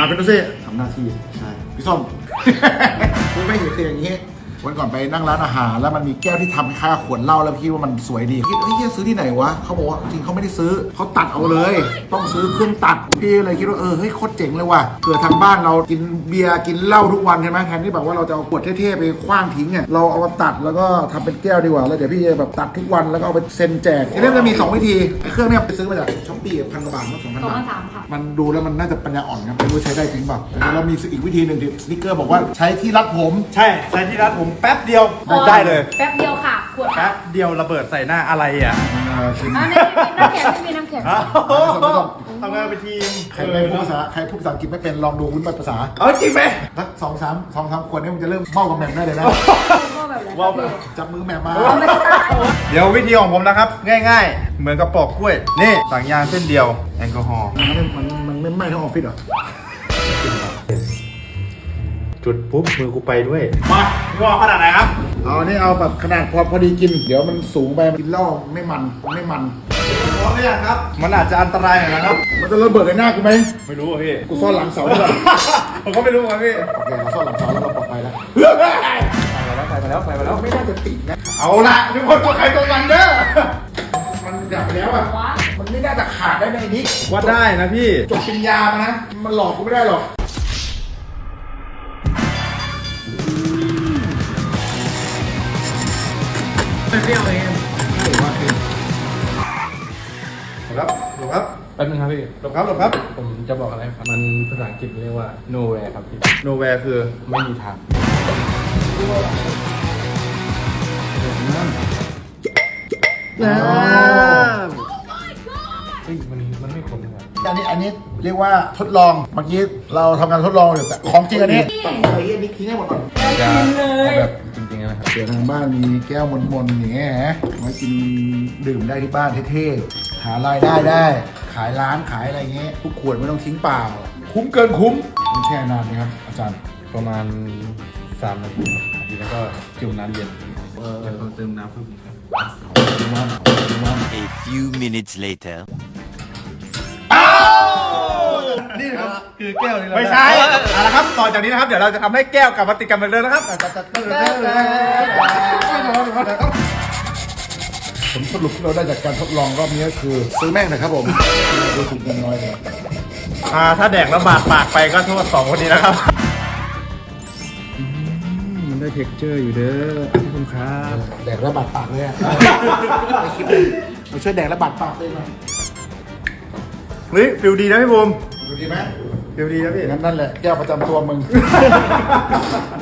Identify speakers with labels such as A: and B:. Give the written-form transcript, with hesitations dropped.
A: เป็นดูซิทำหน้าที่ใช่พี่ส้ม กูไม่เห็นคืออย่างนี้วันก่อนไปนั่งร้านอาหารแล้วมันมีแก้วที่ทำคล้ายๆขวดเหล้าแล้วพี่ว่ามันสวยดีคิดเฮ้ยซื้อที่ไหนวะเขาบอกว่าจริงเขาไม่ได้ซื้อเขาตัดเอาเลยต้องซื้อเครื่องตัดพี่เลยคิดว่าเฮ้ยโคตรเจ๋งเลยว่ะเผื่อทางบ้านเรากินเบียร์กินเหล้าทุกวันใช่ไหมแทนที่แบบว่าเราจะเอาขวดเท่ๆไปคว้างทิ้งเนี่ยเราเอามาตัดแล้วก็ทำเป็นแก้วดีกว่าแล้วเดี๋ยวพี่จะแบบตัดทุกวันแล้วก็เอาไปเซ็นแจกทีนี้มันจะมี2วิธีเครื่องเนี่ยไปซื้อมาจากช้อปปี้1,000 กว่าบาทมั้ง2,000 บาท
B: ค่ะ
A: มันดูแล้วมันน่าจะปัญญาอ่อนครับไม่รู้ใช้ได้จริงเปล่าแล้วมีอีกวิธีหนึ่งที่สติ๊กเกอร์บอกว่าใช้ที่รัดผม
C: ใช่ใช้ที่ร้านผมแป๊บเดียวได้เลย
B: แป๊บเดียวค่ะขวด
C: แป๊บเดียวระเบิดใส่หน้าอะไรอ่ะ
A: ชิม
B: อันนี้น้ำแข็งไม่มีน้ำแข็ง
C: ทำงานเป็นทีม
A: ใครพูดภาษาอังกฤษไม่เป็นลองดูวุ้นภาษา
C: เอาจริงไหม
A: สัก2-3 ขวดนี่มันจะเริ่มเมากับแหม่มได้เลยนะ
B: ว่าแบบ
A: จับมือแหม่มมา
C: เดี๋ยววิธีของผมนะครับ ง่ายๆ เหมือนกับปอกกล้วย นี่สั่งยางเส้นเดียวแอลกอฮอล์
A: มันไม่ไหม้ทั้งออฟฟิศเหรอ
C: จุดปุ๊บมือกูไปด้วยมาพี่ว่าขนาดไหนครับ
A: เอานี่เอาแบบขนาดพอดีกินเดี๋ยวมันสูงไปกินเหล้าไม่มัน
C: พร้อมหรือยังครับ มันอาจจะอันตรายหน่อยนะครับ
A: มันจะระเบิดในหน้ากูไหม
C: ไม่รู้อ่ะพี่
A: กูซ่อนหลังเสาด้วย
C: ผมก็ไม่รู้ครับพี่
A: โอเคเราซ่อนหลังเสาแล้วเราปลอดภัยแล้ว
C: ใส่มาแล้ว
A: ไม่น่าจะติดนะ
C: เอาละทุกคนตัวใครตัวมันเด้อ
A: มันดับไปแล้วอ่ะมันไม่น่าจะขาดได้ในนี้
C: ว่าได้นะพี่
A: จบปริญญามานะมันหลอกกูไม่ได้หรอกไม่เปรี้ยวเองครับดูครับ
D: แป๊บนึงครับพี่
C: หลบครับหลบครับ
D: ผมจะบอกอะไรครับ มันภาษาอังกฤษเรียกว่า nowhere ครับพี่
C: nowhere คือ
D: ไม่มีทาง เฮ้ยมันไม่ขมนะครับ
A: อันนี้เรียกว่าทดลองเมื่อกี้เราทำการทดลองอยู่แต่ของจริงอันนี้ต้องใส่อันนี้ทิ้งให้หมดก่อน
D: จะเอาแบบจริงๆนะครับ
A: เดี๋ยวทางบ้านมีแก้วมนๆอย่างเงี้ยฮะไว้กินดื่มได้ที่บ้านเท่ๆหารายได้ได้ ขายร้านขายอะไรเงี้ยทุกขวดไม่ต้องทิ้งเปล่า คุ้มเกินคุ้มต้องแช่นานไหมครับอาจารย์
D: ประมาณ3 นาทีครับทีแล้วก็จุ่มน้ำเย็นแล้วก็เติมน้ำเพิ่มอีกครับ
E: A few minutes later.
C: นี่ครับคือแก้วไม่ใช่เอาละครับต่อจากนี้นะครับ เดี๋ยวเราจะทำให้แก้วกลับมาติดกันเหมือนเดิมนะครับ
A: ผลสรุปที่เราได้จากการทดลองรอบนี้ก็คือซื้อแม่งนะครับผมดูถูกเงินน้อยเลย
C: ถ้าแดกแล้วบาดปากไปก็โทษ2 คนนี้นะครับ
D: มันได้เท็กเจอร์อยู่เด้อขอบคุณครับ
A: แดกระบาดปากเลยอะในคลิปเลยมาช่วยแดกระบาดปากเลยหน่อย
C: เฮ้ยฟิลดีนะพี่บูม
A: ดูดีไหม
C: ฟิลดีนะพี่
A: นั่นแหละแก้วประจำตัวมึง